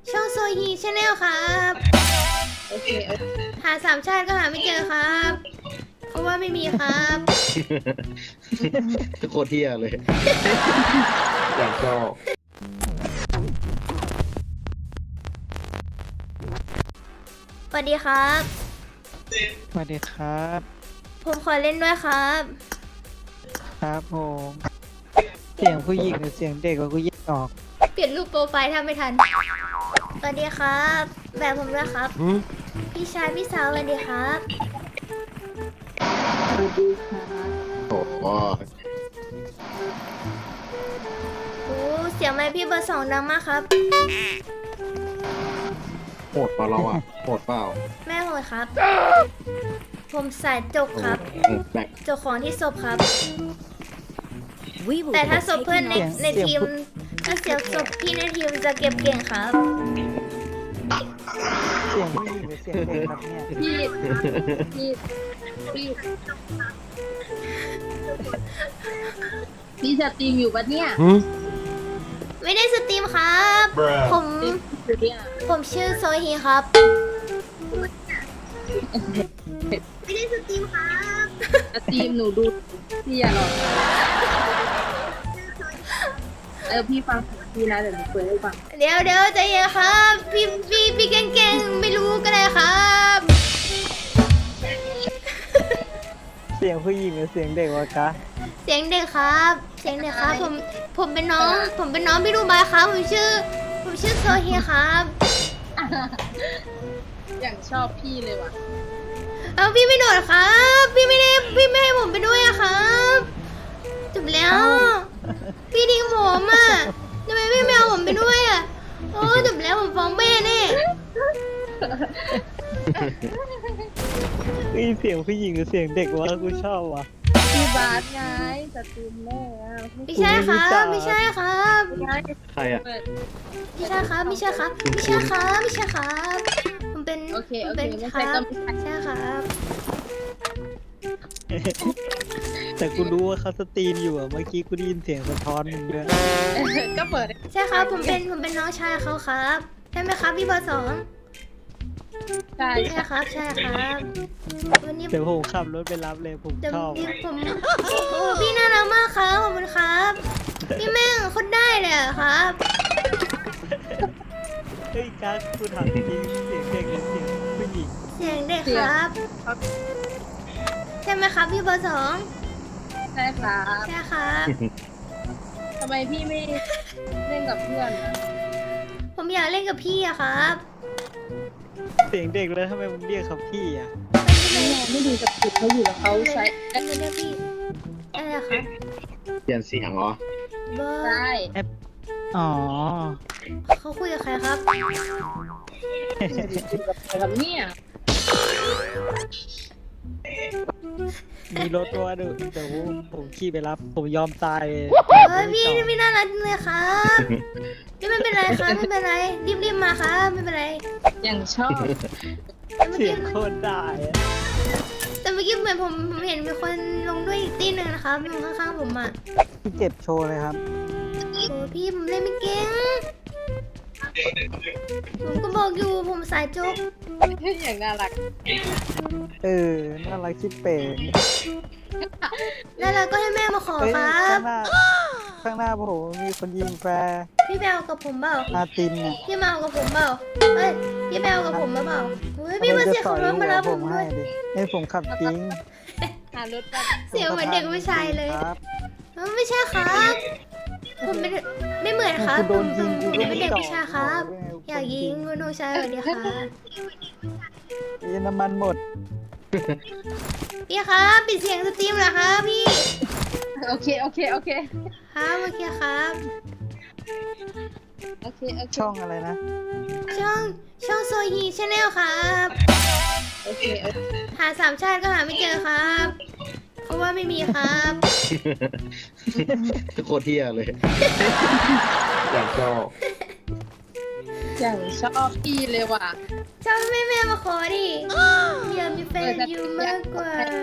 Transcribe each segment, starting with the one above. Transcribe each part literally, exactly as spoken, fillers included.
ช่องโซฮีชาแนลครับโอเคโอเคหาสามชาติก็หาไม่เจอครับ เพราะว่าไม่มีครับโคตรเที่ยเลยอยากชอบสวัสดีครับสวัสดีครับผมขอเล่นด้วยครับครับผมเสียงผู้หญิงหรือเสียงเด็กว่ากูแยกออกเปลี่ยนรูปโปรไฟล์ถ้าไม่ทัน สวัสดีครับ แบบผมด้วยครับ พี่ชายพี่สาวสวัสดีครับสวัสดีค่ะโอ้โหโอ้เสียงไมค์พี่เบอร์สองดังมากครับโหดเปล่าเราอ่ะโหดเปล่าแม่โหดครับ ผมสายจกครับแบกจกของที่ศพครับ แต่ถ้าศพเพื่อนในในทีม ถ้าเสียศพพี่ในทีมจะเก็บเก่งครับเสียงผู้หญิงหรือเสียงเด็กครับเนี่ยพี่พี่พี่พี่สตรีมอยู่ปะเนี่ยไม่ได้สตรีมครับ ผมอยู่เนี่ยผมชื่อโซฮีครับ ไม่ได้สตรีมครับสตรีมหนูดูพี่อย่าหรอกเออพี่ฟังพี่นะเดี๋ยวหนูเปิดให้ฟังเดี๋ยวเดี๋ยวใจเย็นครับ พี่พี่พี่เก่งๆไม่รู้ก็ได้ครับเสียงผู้หญิงหรือเสียงเด็กวะกะเสียงเด็กครับ เสียงเด็กครับ ผมผมเป็นน้อง ผมเป็นน้องพี่ดูบายครับ ผมชื่อ ผมชื่อโซฮีครับอย่างชอบพี่เลยว่ะเอาพี่ไม่โดดครับ พี่ไม่ได้พี่ไม่ให้ผมไปด้วยอะครับจบแล้ว พี่ทิ้งผมอ่ะทำไมพี่ไม่เอาผมไปด้วยอ่ะโอ้จบแล้วผมฟ้องแม่แน่เฮ้ยเสียงผู้หญิงหรือเสียงเด็กวะกูชอบวะพี่บาสไงสตรีมแม่อะไม่ใช่ครับไม่ใช่ครับไงใครอ่ะเปิดไม่ใช่ครับไม่ใช่ครับไม่ใช่ครับไม่ใช่ครับผมเป็นโอเคผโอมเคเป็นไม่คใช่รับก็ไม่ใช่ใช่ครับแต่กูรู้ว่าเขาสตรีมอยู่อะเมื่อกี้กูได้ยินเสียงสะท้อนมึงด้วยเออก็เปิดใช่ครับผมเป็นผมเป็นน้องชายเขาครับใช่ไหมครับพี่เบอร์สองใช่ใช่ครับใช่ครับวันนี้เดี๋ยวผมขับรถไปรับเลยผมเดี๋ยวชอบพี่ผมโอ้พี่น่ารักมากครับขอบคุณครับพี่แม่งโคนได้เลยอะครับเฮ้ยกัสกูถามจริงเสียงเด็กหรือเสียงผู้หญิงเสียงเด็กครับ ใช่ไหมครับพี่เบอร์สองใช่ครับใช่ครับทำไมพี่ไม่เล่นกับเพื่อนอะผมอยากเล่นกับพี่อะครับเสียงเด็กแล้วทำไมมึงเรียกเขาพี่อะไม่ไงไม่ดูสตรีมเขาอยู่แล้วเขาใช้ไม่เรียกพี่อะไรอะครับเปลี่ยนเสียงเหรอเบอร์ใช่อ๋อเขาคุยกับใครครับแบบเนี้ยมีรถว่าเดี๋ยวเดี๋ยวผมขี่ไปรับผมยอมตายเลยเฮ้ยพี่พี่น่ารักจังเลยครับพี่ไม่เป็นไรครับไม่เป็นไรรีบรีบมาครับไม่เป็นไรอย่างชอบแต่เมื่อเสียกี้งโคตรได้อะแต่เมื่อกี้เหมือนผมผมเห็นมีคนลงด้วยอีกตีหนึ่งนะครับลงข้างๆผมอ่ะพี่เจ็บโชว์เลยครับโอ้พี่ผมเล่นไม่เก่งผมก็บอกอยู่ผมสายโจ๊กอย่างน่ารักเออ น่ารักชิบเป๋งแล้วเราก็ให้แม่มาขอเฮ้ยครัข้าบงหน้า ข้างหน้าผมมีคนยิงแฟร์พี่แบลกับผมเปล่าอาตินเนี่ยพี่มาเอากับผมเปล่าเฮ้ยพี่แบลกับผมมาเปล่าเฮ้ยพี่มาเสียขับรถมารับผมด้ให้วยดิให้ผมขับจริงหารถแบบเสียงเหมือนเด็กผู้ชายเลยครับเอ้าไม่ใช่ครับ ผมเป็นไม่เหมือนครับกูผโดมนยิงกูผมก็เป็นไม่เด็กตอบผู้ชายครับ อยากยิงคุณน้องชายสวัสดีครับยิงน้ำมันหมดพี่ครับปิดเสียงสตรีมเหรอครับพี่โอเคโอเคโอเคครับโอเคครับโอเคโอเคช่องอะไรนะช่องช่องโซฮีชาแนลครับโอเคโอเคหาสามชาติก็หาไม่เจอครับ เพราะว่าไม่มีครับโคตรเที่ยเลยอยากชอบอย่างชอบพี่เลยว่ะชอบแม่แม่มาขอดิอยากมีแฟนอยู่มากกว่า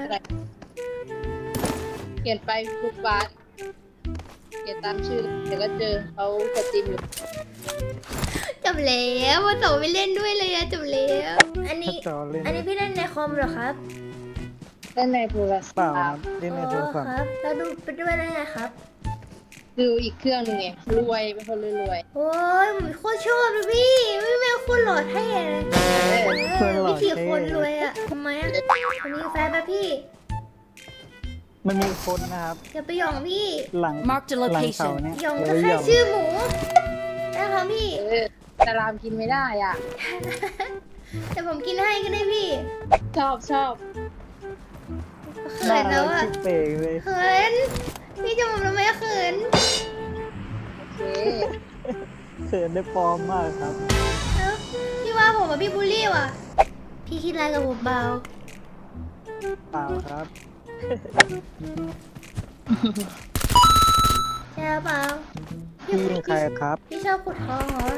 เขียนไปทุกบาสเขียนตามชื่อเดี๋ยวก็เจอเขาสตรีมอยู่จะบแล้ววันเสาร์ไม่เล่นด้วยเลยอะจบแล้วอันนี้จอเล่นอันนี้พี่เล่นในคอมเหรอครับเล่นในโทรศัพท์เปล่าครับเล่นในโทรศัพคท์รับแล้วดูไปด้วยได้ไงครับดูอีกเครื่องหนึงไงรวยเป็นคนรวยโอ้ยผมโคตรชอบเลยพี่พี่แม่โคตรหล่อเท่เลยๆเออเออวิธีคนรวยอะทำไมอะผมมีแฟนปะพี่มันมีคนนะครับอย่าไปหยองพี่หลัง Marked a หลัง location เขาเนี่ยหยองเอก็อหแค่ยองชื่อหมูนะคะพี่เออแต่รามกินไม่ได้อ่ะแต่ผมกินให้ก็ได้พี่ชอบชอบเขินแล้วอะชื่อเป๋เลยเขินพี่จะผมทำไมเขินโอเคเขินได้ปลอมมากครับเอ้าพี่ว่าผมอะพี่บูลลี่ว่ะ พี่คิดอะไรกับผมเบาเปล่าครับใช่เปล่าพี่ยิงใครครับพี่ชอบขุดทองเหรอ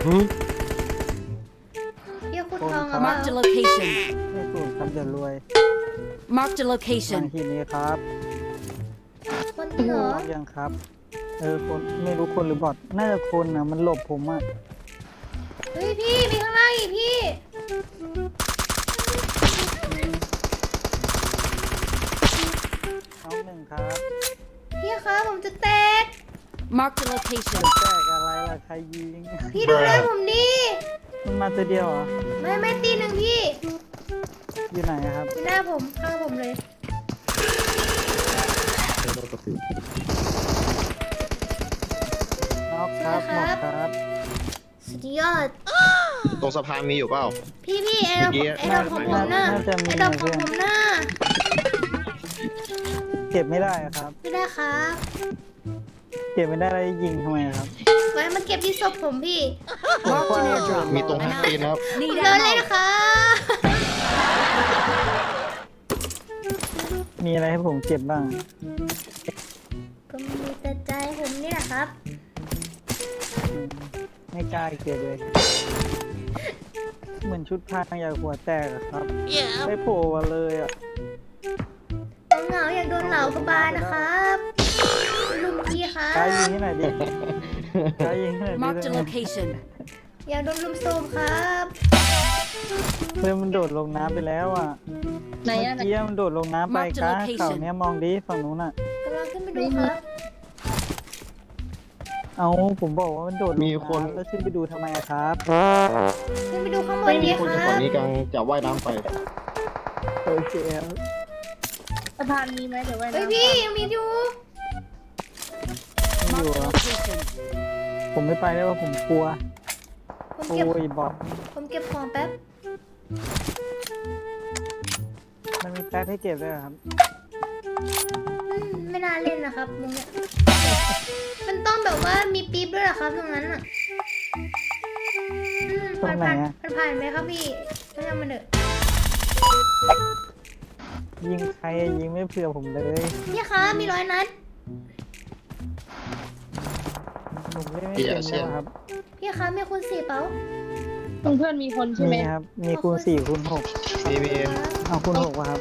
พี่ขุดทองเหรอเปล่า Marked a location. ไม่สูงครับเดี๋ยวรวย Marked a ทาง location. ที่นี้ครับคนจริงเหรอยังครับ เออคนไม่รู้คนหรือบอทน่าจะคนนะมันหลบผมอะเฮ้ยพี่มีข้างล่างอีกพี่น้องหนึ่งครับพี่คะผมจะแตก Marked a location. แตกอะไรล่ะใครยิงพี่ดูแลผมดิมันมาตัวเดียวเหรอไม่ไม่ตีหนึ่งพี่อยู่ไหนอะครับอยู่หน้าผมข้างผมเลยน็อกครับหมดครับสุดยอดตรงสะพานมีอยู่เปล่าพี่พี่ไอ้ดอกเมื่อกี้ไอ้ดอกของผมน่ะน่าจะมีไอ้ดอกของผมน่ะเก็บไม่ได้อะครับไม่ได้ครับเก็บไม่ได้แล้วยิงทำไมอะครับไว้มาเก็บที่ศพผมพี่ Marked an airdrop. มีตรงห้างตีนนะครับผม Need เดินเลย ammo. นะคะมีอะไรให้ผมเก็บบ้างก็มีแต่ใจผมนี่แหละครับอืมไม่กล้าเก็บเลย เหมือนชุดพรางอยากหัวแตกอะครับไม่โผล่มาเลยอะเหงาอยากโดนเหลากระบาลนะครับลุมพี่ครักล้ายิงบให้หน่อยดิกล้ายิงให้หน่อย Marked ดิ a location. อยากโดนลุมโซมครับเพื่อนมันโดดลงน้ำไปแล้วอะไหนเมื่อ่ะอกี้มันโดดลงน้ำไป Marked a กลาง location เขาเนี่ยมองดิฝั่งนู้นอะกำลังขึ้นไปดูครับเอาผมบอกว่ามันโดดลงมีคนำแล้วขึ้นไปดูทำไมอะครับขึ้นไปดูข้างบนมีดีคนคจากรัฝั่งบนี้กำลังจะว่ายน้ำไปโอเคครับสะพานมีไหมเดี๋ยวไว้เฮ้ยนะพี่ยังมีอยู่ไม่อยู่ Marked a อะ location. ผมไม่ไปแล้วว่าผมกลัวผมโอ้เก็บยบอทผมเก็บของแป๊บมันมีแป๊บให้เก็บด้วยเหรอครับอืมไม่น่าเล่นนะครับมึงเนี่ยมันต้องแบบว่ามีปี๊บด้วยเหรอครับตรงนั้นอ่ะอืมตรงไหนผ่านอะผ่านผ่านไหมครับพี่ไม่ทำมันเถอะยิงใครอะยิงไม่เผื่อผมเลยพี่คะมีร้อยนัดผมเล่นไม่เป็นแล้วครับพี่คะมีคุณสี่เป๋าเพื่อนๆมีคนใช่ไหมมีครับ มีคูณสี่คูณหกมีมีเอาคูณหกป่ะครับ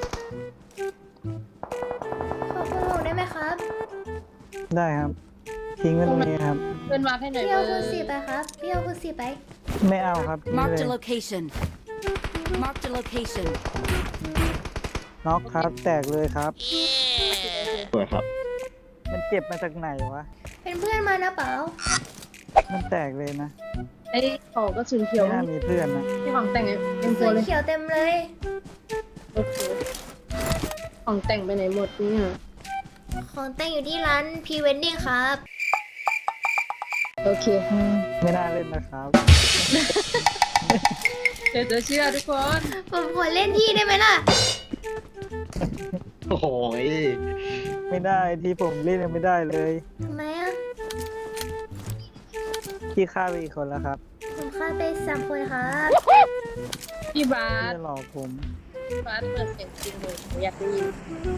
ขอคุณหกได้ไหมครับได้ครับ ทิ้งไว้ตรงนี้ครับเพื่อนมาให้หน่อยพี่เบเอาอคุณร์สี่ไปครับพี่เอาคุณสี่ไปไม่เอาครับทิ้งไป Marked เล a ย location. Marked a location. น็อกครับ แตกเลยครับเปิดครับมันเก็บมาจากไหนวะเป็นเพื่อนมานะเป๋ามันแตกเลยนะไอ้ของกระสุนเขียวไม่น่ามีเพื่อนนะที่ของแต่งเต็มตัสีวเลยเขียวเต็มเลยโอเคของแต่งไปไหนหมดเนี่ยของแต่งอยู่ที่ร้านพีเวนดิ้งครับโอเคอืมไม่น่าเล่นนะครับเดี๋ยวจะเชื่อทุกคนผมขอเล่นที่ได้ไหมล่ะโอ้โหยไม่ได้ที่ผมเล่นยังไม่ได้เลยทำไมอ่ะที่ฆ่าไปอีกคนแล้วครับผมฆ่าไปสามคนครับพี่บาที่สจะหลอกผมพี่บาสเปิดเสียงจริงเลยหนูอยากได้ยิน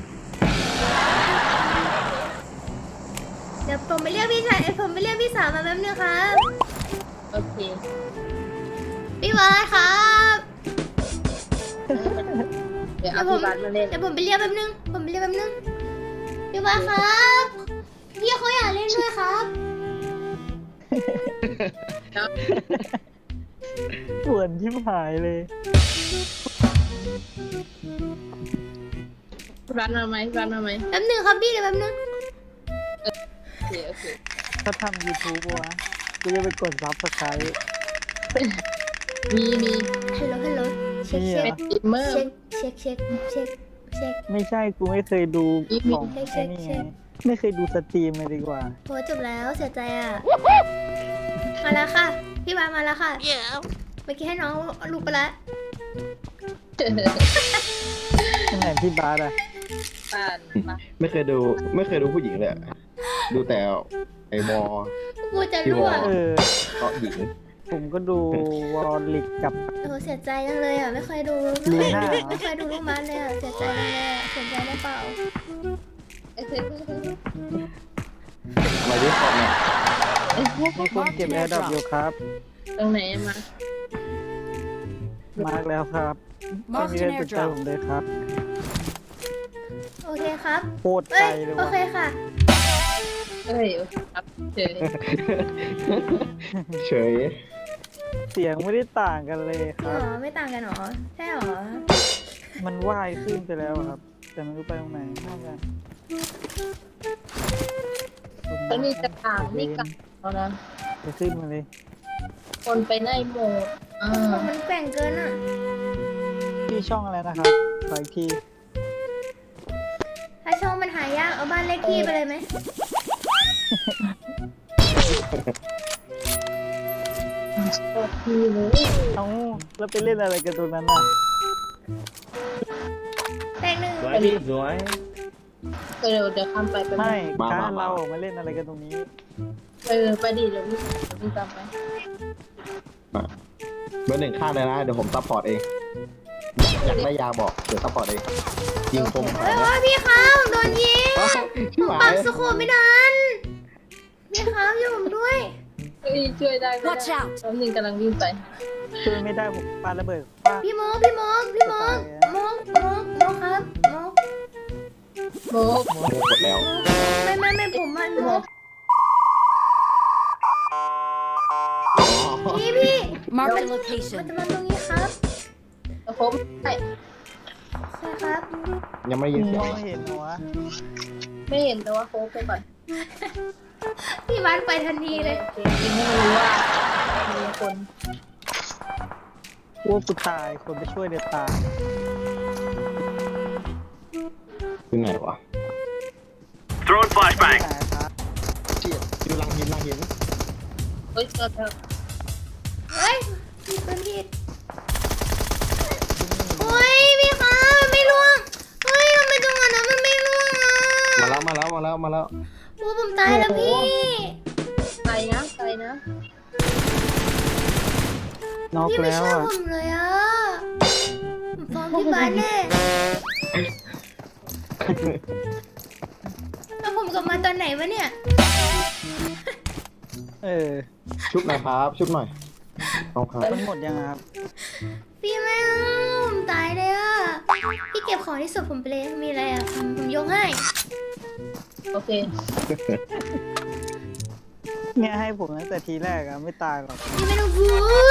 เดี๋ยวผมไปเรียกพี่ชายเอ้ยผมไปเรียกพี่สาวมาแป๊บนึงครับโอเคพี่วานครับเดี๋ยวเดี๋เอายวผมพี่บาสมาเล่นเดี๋ยวผมไปเรียกแป๊บนึง ผมไปเรียกแป๊บนึง พี่วานครับ พี่เขาอยากเล่นด้วยครับเนชิบหายเลยพี่บ้านมาไหมพี่บ้านมาไหมแป๊บนึงครับพี่เดี๋ยวแป๊บนึงโอเคโอเคถ้าทำ YouTube วะกูจะไปกดซับสไครต์มีมีฮัลโหลฮัลโหลเช็คนี่เช็เหรคอเป็นสตรีมเมอร์เช็คเช็คเช็คเช็คเช็คไม่ใช่กูไม่เคยดูของเช็คไอ้นี่เช็ไงคไม่เคยดูสตรีมเลยดีกว่าโหจบแล้วเสียใจอ่ะ มาแล้วค่ะ พี่บาสมาแล้วค่ะเมื่อกี้ให้น้องลูกไปแล้วที่ไหนพี่บาสอะป่านมาไม่เคยดูไม่เคยดูผู้หญิงเลยอะดูแต่ไอ้บอกูจะรั่วเออเกาะหญิงผมก็ดูวอลลิกกับโอ้เสียใจจังเลยอ่ะไม่เคยดูลีไม่เคยน่าดูไม่เคยดูลูกมันเลยอ่ะเสียใจจังเลยอ่ะเสียใจได้เปล่าอะไรที่คอมเนี่ยมีคนเก็บแอร์ดรอปอยู่ครับตรงไหนมามาร์กแล้วครับไม่ Marked มีใคร an สนใจ airdrop. ผมเลยครับโอเคครับโคตรไกเอ้ลยเลยโอว่ะเคค่ะเอ้ยโอเคครับเฉยเฉยเสียงไม่ได้ต่างกันเลยคอ๋รับอไม่ต่างกันหรอใช่หรอมันว่ายขึ้นไปแล้วครับ แต่ไม่รู้ไปตรงไหนน่าจะแล้วมีกระถางนี่กับเอานะไปขึ้นมาเลยคนไปในโหมดอ่ามันแกว่งเกินอ่ะที่ช่องอะไรนะครับขออีกทีถ้าช่องมันหายากเอาบ้านเลขที่ไปเลยไหมโอเคเลยเอ้าแล้วไปเล่นอะไรกันตรงนั้นน่ะแตงหนึ่งสวยพี่สวยเออเดี๋ยวเดี๋ยวข้ามไปไปไม่มาการมามาเรามาเล่นอะไรกันตรงนี้เออไปดิเดี๋ยวพี่เดี๋ยวพี่ตามไปเบอร์หนึ่งข้างเลยนะเดี๋ยวผมซัพพอร์ตเองอยากได้ยาบอกเดี๋ยวซัพพอร์ตเองยิงคมเฮ้ยโอ้ยพี่ครับโดนยิงชิบผมหาปัยกสโคปไม่ทันพี่ครับอยู่ผมด้วยเฮ้ยช่วยได้ไหม Watch out แป๊บนึงกำลังวิ่งไปช่วยไม่ได้ผมปาระเบิดป้าพี่โมกพี่โมกพี่โมกโมกโมกโมกครับโมกโมกโอ้โหกดแล้วไม่ไม่ไม่ผมมันโมกอ๋อพี่พี่ Marked a มัน location. จะมาตรงนี้ครับแล้วผมไม่ใช่ครับยังไม่ได้ยินเสียมงองเห็นหัวไม่เห็นแต่ว่าโค้งไปก่อนพี่บ้านไปทันทีเลยโอเคจริงให้มันรู้ว่ามีคนกลัวกูตายคนไปช่วยเด็ดตายคือไหนวะ Throwing ไม่ flashbang. หายครับเชี่ยอยู่หลังหินหลังหินเฮ้ยเจอเธอเฮ้ยพี่เป็นผิดโอ้ยพี่ครับมันไม่ล่วงเฮ้ยทำไมจังหวะนั้นมันไม่ล่วงอ่ะมาแล้วมาแล้วมาแล้วมาแล้วโอ้ผมตายแล้วพี่ไกลนะไกลนะน็อกพี่ไม่แล้วเชื่ออ่ะผมเลยอ่ะผมฟ้องพี่บ้านแน่แล้วผมกลับมาตอนไหนวะเนี่ยเออชุบหน่อยครับชุบหน่อยเอาครับมันหมดยังครับพี่แม่งผมตายเลยอ่ะพี่เก็บของที่สุดผมไปเลยมีอะไรอ่ะผมผมยกให้โอเคเนี่ยให้ผมตั้งแต่ทีแรกอะไม่ตายหรอกพี่ไม่ต้องพู